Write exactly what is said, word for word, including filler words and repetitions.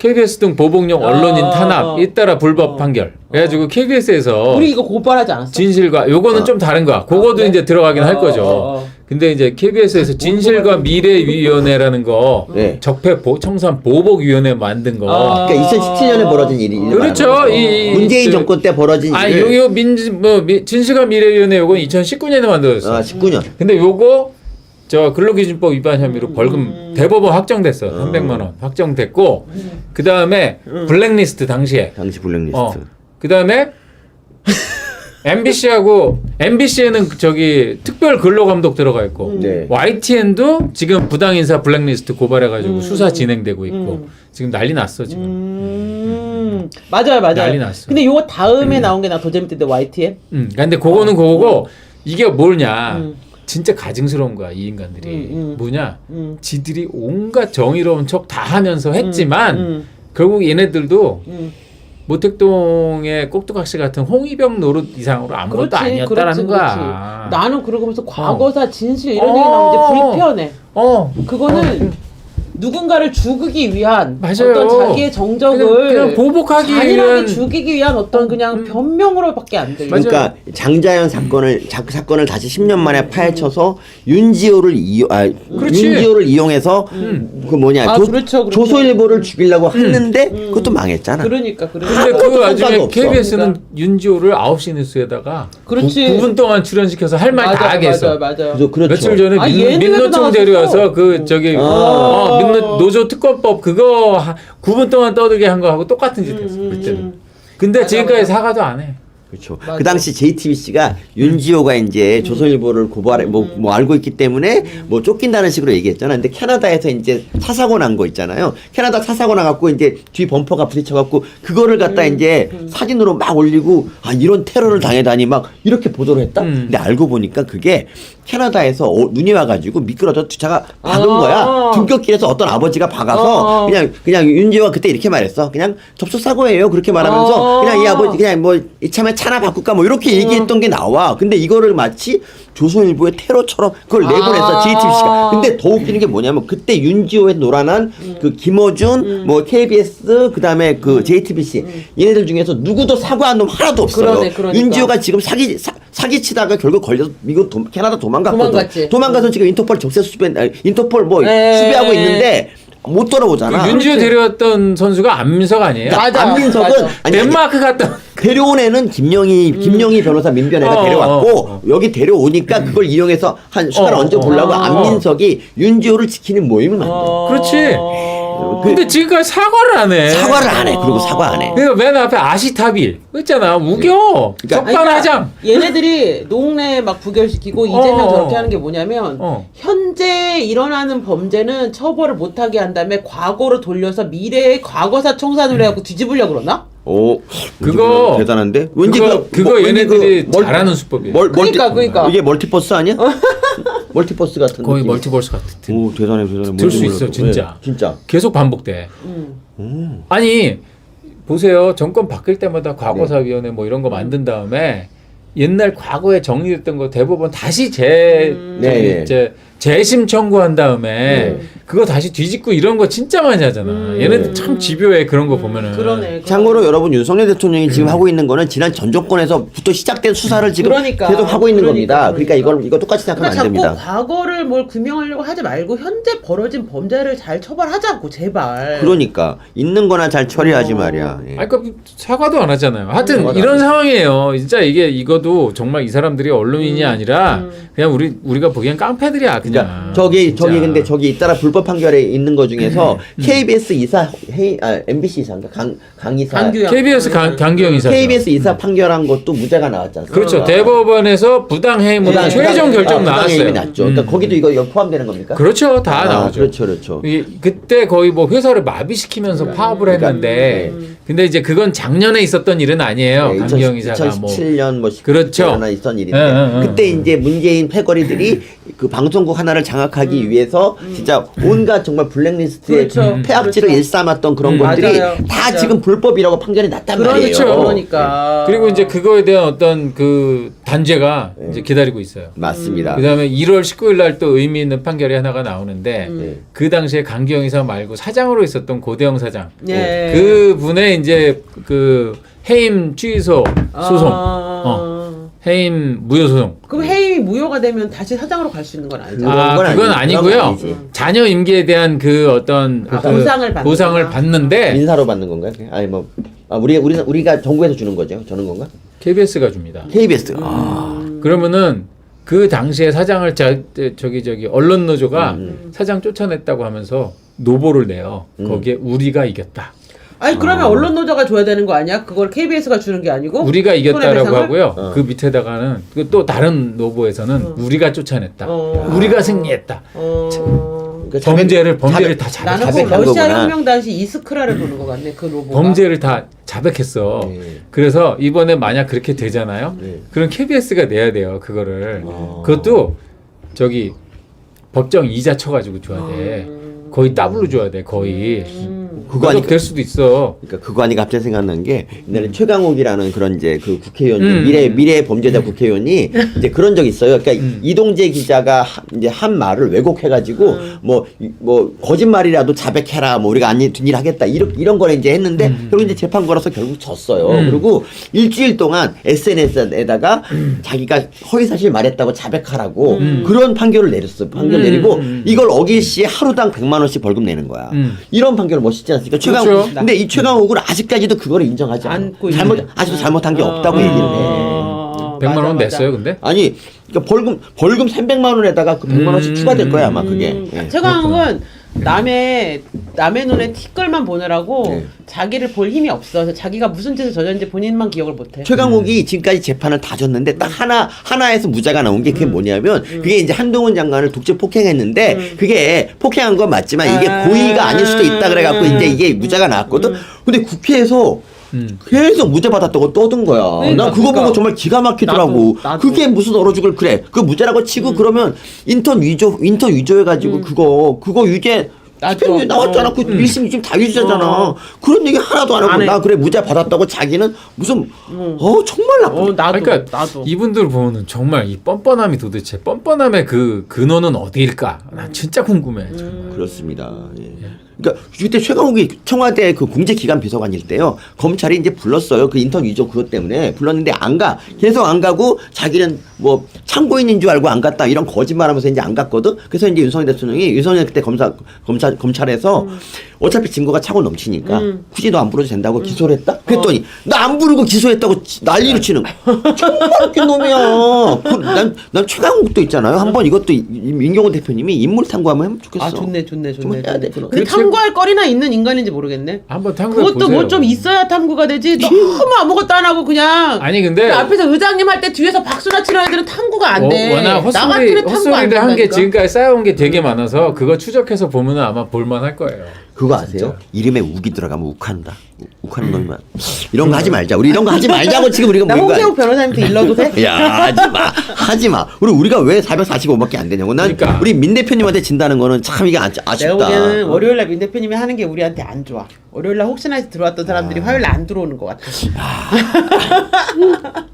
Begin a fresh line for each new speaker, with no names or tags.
케이비에스 등 보복용 언론인 탄압 잇따라 불법 판결. 그래가지고 케이비에스에서
우리 이거 고발하지 않았어?
진실과 요거는
어.
좀 다른 거야. 그거도
그래?
이제 들어가긴
어,
할 거죠.
어, 어.
근데 이제 케이비에스에서 진실과 미래위원회라는 거
네.
적폐 보, 청산 보복위원회 만든 거.
아.
그러니까 이천십칠 년에 벌어진 일이 일을
그렇죠.
말하는 거죠.
이- 이-
문재인
그-
정권 때 벌어진
아,
일을
요, 요 민, 뭐, 미, 진실과 미래위원회 요건 이천십구 년에 만들어졌어.
아, 십구 년.
근데 요거, 저 근로기준법 위반 혐의로 벌금 대법원 확정됐어. 삼백만 원 확정됐고, 그 다음에 블랙리스트 당시에.
당시 블랙리스트.
어. 그 다음에 엠비씨하고, 엠비씨에는 저기 특별 근로감독 들어가 있고,
네.
와이티엔도 지금 부당인사 블랙리스트 고발해가지고 수사 진행되고 있고, 지금 난리 났어, 지금.
음, 맞아요, 맞아요.
난리 났어.
근데 요거 다음에 나온 게 나 더 재밌던데 와이티엔.
음, 근데 그거는 그거고 이게 뭐냐?
음.
진짜 가증스러운 거야 이 인간들이.
음, 음.
뭐냐?
음.
지들이 온갖 정의로운 척 다 하면서 했지만
음,
결국 얘네들도
음.
모택동의 꼭두각시 같은 홍위병 노릇 이상으로 아무것도
그렇지,
아니었다라는
그렇지,
거야.
그렇지. 나는 그러고 보면서 과거사 진실 이런 얘기 나오면 이제 불편해.
어,
그거는 누군가를 죽이기 위한
맞아요.
어떤 자기의 정적을
그냥, 그냥 보복하기
잔인하게
위한
죽이기 위한 어떤 그냥
음.
변명으로밖에 안 들려.
맞아요.
그러니까 장자연 사건을 자, 사건을 다시 십 년 만에 파헤쳐서 윤지호를 이용 아
그렇지.
윤지호를 이용해서
음.
그 뭐냐
아,
조,
그렇죠, 그렇죠.
조선일보를 죽이려고 했는데 그것도 망했잖아.
그러니까 그러니까.
근데 그
아무것도
와중에
상관이 없어.
케이비에스는
그러니까.
윤지호를 아홉 시 뉴스에다가
그렇지.
구 분 동안 출연시켜서 할 말 다
맞아,
하게 했어.
맞아, 맞아.
그래서 그렇죠.
며칠 전에
아,
민,
예능에도
민노총
나왔었어.
데려와서 그 저기
아.
어, 민노 노조 특검법 그거 하- 구 분 동안 떠들게 한 거하고 똑같은 짓 했어
음,
그때는.
음.
근데
맞아,
지금까지
맞아.
사과도 안 해.
그렇죠.
맞아.
그 당시 제이티비씨가 윤지호가 이제 조선일보를 고발해 뭐, 뭐 알고 있기 때문에 뭐 쫓긴다는 식으로 얘기했잖아. 근데 캐나다에서 이제 차 사고 난 거 있잖아요. 캐나다 차 사고 나갖고 이제 뒤 범퍼가 부딪혀갖고 그거를 갖다 이제 사진으로 막 올리고 아 이런 테러를 당해다니 막 이렇게 보도를 했다.
음.
근데 알고 보니까 그게 캐나다에서 어, 눈이 와가지고 미끄러져 차가 박은
아.
거야. 등굣길에서 어떤 아버지가 박아서
아.
그냥 그냥 윤지호가 그때 이렇게 말했어. 그냥 접촉 사고예요. 그렇게 말하면서
아.
그냥 이 아버지 그냥 뭐 이참에 차나 바꿀까 뭐 이렇게 얘기했던 게 나와. 근데 이거를 마치 조선일보의 테러처럼 그걸 내보냈어
아.
제이티비씨가. 근데 더 웃기는 게 뭐냐면 그때 윤지호에 노란한 그 김어준, 뭐 케이비에스, 그다음에 그 제이티비씨 얘네들 중에서 누구도 사과한 놈 하나도 없어요.
그러네, 그러니까.
윤지호가 지금 사기 사, 사기치다가 결국 걸려서 미국 도, 캐나다 도망갔거든.
도망갔지.
도망가서 지금 인터폴 적세 수배, 아니, 인터폴 뭐
에.
수배하고 있는데 못 돌아오잖아.
그 윤지호
그렇지.
데려왔던 선수가 안민석 아니에요?
맞아.
안민석은
맞아.
아니, 아니,
덴마크 갔다.
데려온 애는 김영희 김영희 변호사 민변애가
어,
데려왔고
어, 어.
여기 데려오니까 그걸 이용해서 한 숟갈
어,
얹어 보려고
어.
안민석이 윤지호를 지키는 모임을 만들어.
어.
그렇지. 근데 지금까지 사과를 안 해.
사과를 안 해. 그리고 사과 안 해.
그러니까 맨 앞에 아시타빌 있잖아. 우겨.
그러니까-
적반하장.
얘네들이 농내 막 부결시키고 이재명
어,
저렇게
어.
하는 게 뭐냐면
어.
현재 일어나는 범죄는 처벌을 못하게 한 다음에 과거로 돌려서 미래의 과거사 청산을 해갖고 뒤집으려고 그러나?
오,
그거-
대단한데? 왠지
그거-
그,
그거
뭐, 왠지
얘네들이
멀-
잘하는 수법이야.
멀,
그러니까,
멀티-
그러니까.
이게 멀티버스 아니야? 멀티버스 같은
거의
느낌.
멀티버스 같은.
오, 대단해, 대단해.
들 수
뭔지
있어,
몰랐어.
진짜.
네, 진짜.
계속 반복돼.
음.
아니 보세요. 정권 바뀔 때마다
네.
과거사위원회 뭐 이런 거 만든 다음에 옛날 과거에 정리됐던 거 대법원 다시 재
음.
저기
네, 네.
이제 재심 청구한 다음에
음.
그거 다시 뒤집고 이런 거 진짜 많이 하잖아.
음.
얘네들 참 집요해 그런 거 보면은.
그러네.
참고로 여러분 윤석열 대통령이
음.
지금 하고 있는 거는 지난 전 정권에서부터 시작된 수사를 지금
그러니까.
계속 하고 있는
그러니까,
겁니다. 그러니까,
그러니까.
이걸 이거 똑같이 생각하면
그러니까
안
자꾸
됩니다.
과거를 뭘 규명하려고 하지 말고 현재 벌어진 범죄를 잘 처벌하자고 제발.
그러니까 있는 거나 잘 처리하지
어.
말이야. 예.
아니, 그러니까 사과도 안 하잖아요. 하여튼
사과도
이런
안
상황이에요. 진짜 이게 이거도 정말 이 사람들이 언론인이
음.
아니라
음.
그냥 우리 우리가 보기엔 깡패들이야 그냥.
그러니까 저기
진짜.
저기 근데 저기 잇따라 불법 판결에 있는 거 중에서 케이비에스 이사 헤이 아 엠비씨 이사인가 강 강이사
강규영.
케이비에스 강, 강기영 이사.
케이비에스 이사 판결한 것도 무죄가 나왔지 않습니까?
그렇죠.
어.
대법원에서 부당 해임으로
부당-
최종
부당-
결정
아, 부당
나왔어요.
해임이 났죠. 그러니까
음.
거기도 이거, 이거 포함되는 겁니까?
그렇죠. 다
아,
나오죠.
그렇죠, 그렇죠.
이, 그때 거의 뭐 회사를 마비시키면서 파업을
그러니까,
했는데
음.
근데 이제 그건 작년에 있었던 일은 아니에요.
네,
강기영 이사가 뭐
이천십칠 년 뭐
그렇죠.
하나 있었던 일인데
예, 예, 예.
그때 이제 문재인 패거리들이 그 방송국 정부 하나를 장악하기 위해서 진짜 온갖 정말 블랙리스트의
그렇죠.
폐악질을
그렇죠.
일삼았던 그런
음.
것들이
맞아요.
다
맞아요.
지금 불법이라고 판결이 났단
그렇죠.
말이에요.
그러니까.
그리고 이제 그거에 대한 어떤 그 단죄가 이제 기다리고 있어요.
맞습니다.
그다음에 일월 십구일 날 또 의미 있는 판결이 하나가 나오는데
네.
그 당시에 강기영 이사 말고 사장으로 있었던 고대영 사장
예.
그 분의 이제 그 해임 취소 소송,
아.
어, 해임 무효 소송.
그럼 해임이 무효가 되면 다시 사장으로 갈 수 있는 건 아니죠.
아
그건
그건
아니-
아니고요.
그건 아니지.
자녀 임기에 대한 그 어떤 그
보상을 받는구나.
보상을 받는데
민사로 받는 건가요? 아니 뭐 아, 우리 우리 우리가 정부에서 주는 거죠? 저는 건가?
케이비에스가 줍니다.
케이비에스. 아.
그러면은 그 당시에 사장을 자, 저기 저기 언론 노조가
음.
사장 쫓아냈다고 하면서 노보를 내요.
음.
거기에 우리가 이겼다.
아니 그러면 언론 노조가 줘야 되는 거 아니야? 그걸 케이비에스가 주는 게 아니고
우리가 이겼다라고
손해배상을?
하고요.
어.
그 밑에다가는 그 또 다른 노보에서는 우리가 쫓아냈다.
어.
우리가 승리했다.
어...
그 자백-
범죄를 범죄를
자백-
다 자백.
나는 꼭
자백한
러시아
거구나.
혁명 당시 이스크라를 보는 것 같네. 그 로보가.
범죄를 다 자백했어.
네.
그래서 이번에 만약 그렇게 되잖아요.
네.
그럼 케이비에스가 내야 돼요. 그거를.
어.
그것도 저기 법정 이자 쳐가지고 줘야 돼. 거의 더블로 줘야 돼. 거의.
그거
그거
아니까
될 수도 있어.
그러니까 그거 아니 갑자기 생각난 게 옛날에 최강욱이라는 그런 이제 그 국회의원
음.
미래 미래 범죄자 국회의원이 이제 그런 적 있어요. 그러니까
음.
이동재 기자가 하- 이제 한 말을 왜곡해가지고 뭐 뭐 거짓말이라도 자백해라 뭐 우리가 아닌 뒷일 하겠다 이런 이런 거를 이제 했는데 결국 이제 재판 걸어서 결국 졌어요.
음.
그리고 일주일 동안 에스엔에스에다가 자기가 허위 사실 말했다고 자백하라고 그런 판결을 내렸어. 판결
음.
내리고
음.
이걸 어길 시에 하루당 백만 원씩 벌금 내는 거야.
음.
이런 판결 멋있지 않습니까? 최강
그렇죠.
근데 이 최강욱은 아직까지도 그거를 인정하지 않아.
안고
잘못
있네.
아직도 잘못한 게
어,
없다고
어,
얘기를 해.
어,
백만
맞아,
원
맞아.
냈어요, 근데?
아니 그러니까 벌금 벌금 삼백만 원에다가 그 백만 원씩
음.
추가될 거야 아마 그게.
음,
예.
최강욱은 남의 남의 눈에 티끌만 보느라고
네.
자기를 볼 힘이 없어. 그래서 자기가 무슨 짓을 저졌는지 본인만 기억을 못해.
최강욱이 지금까지 재판을 다 졌는데 딱 하나 하나에서 무죄가 나온 게 그게 뭐냐면 그게 이제 한동훈 장관을 독재 폭행했는데 그게 폭행한 건 맞지만 이게
아.
고의가 아닐 수도 있다 그래갖고 이제 이게 무죄가 나왔거든. 근데 국회에서
음.
계속 무죄 받았다고 떠든 거야.
그러니까,
난 그거
그러니까.
보고 정말 기가 막히더라고.
나도, 나도.
그게 무슨 얼어 죽을 그래. 그 무죄라고 치고 그러면 인턴 위조 인턴 위조해가지고 그거 그거 유죄
나도.
스팸 나왔잖아.
어.
그 일 심 이 심 다 유죄잖아.
어.
그런 얘기 하나도 안 하고
안 해.
나 그래 무죄 받았다고 자기는 무슨 어 정말 나쁜.
어 나도
그러니까
나도.
이분들 보면은 정말 이 뻔뻔함이 도대체 뻔뻔함의 그 근원은 어디일까? 난 진짜 궁금해. 정말.
그렇습니다. 예. 그러니까 그때 최강욱이 청와대 그 공제기관 비서관일 때요 검찰이 이제 불렀어요 그 인턴 위조 그것 때문에 불렀는데 안 가 계속 안 가고 자기는 뭐 참고인인 줄 알고 안 갔다 이런 거짓말하면서 이제 안 갔거든. 그래서 이제 윤석열 대통령이 윤석열 그때 검사 검찰 검찰에서
음.
어차피 증거가 차고 넘치니까
음.
굳이 너 안 불러도 된다고 기소를 했다. 그랬더니 나 안 부르고 기소했다고 지- 난리를 치는 거야. 정말 웃긴 놈이야. 그, 난, 난 최강욱도 있잖아요. 한번 이것도 이- 이- 민경훈 대표님이 인물 탐구 한번 해면 좋겠어.
아 좋네 좋네
좀
좋네.
해야 돼,
좋네.
그럼.
근데
그
탐구할 거리나 있는 인간인지 모르겠네.
한번 탐구해
그것도
보세요.
뭐 좀 있어야 탐구가 되지. 너무 아무것도 안 하고 그냥.
아니 근데
그 앞에서 의장님 할 때 뒤에서 박수나 치는 애들은 탐구가 안 돼.
어, 워낙
나
헛소리
같은 애 탐구 안
헛소리를 한 게
된다니까.
지금까지 쌓여온 게 되게 많아서 그거 추적해서 보면은 아마 볼만할 거예요.
그거 아세요? 이름에 욱이 들어가면 욱한다. 욱- 욱하는 놈이만. 이런 거 하지 말자. 우리 이런 거 하지 말자고 지금 우리가
나
모인 거
홍세욱 변호사님한테 일러도 돼?
아니야. 야 하지 마. 하지 마. 우리 우리가 왜 사백사십오밖에 안 되냐고. 난
그러니까.
우리 민 대표님한테 진다는 거는 참 이게 아, 아쉽다.
내가 보기에는 월요일날 민 대표님이 하는 게 우리한테 안 좋아. 월요일날 혹시나 해서 들어왔던 사람들이 화요일날 안 들어오는 것 같아.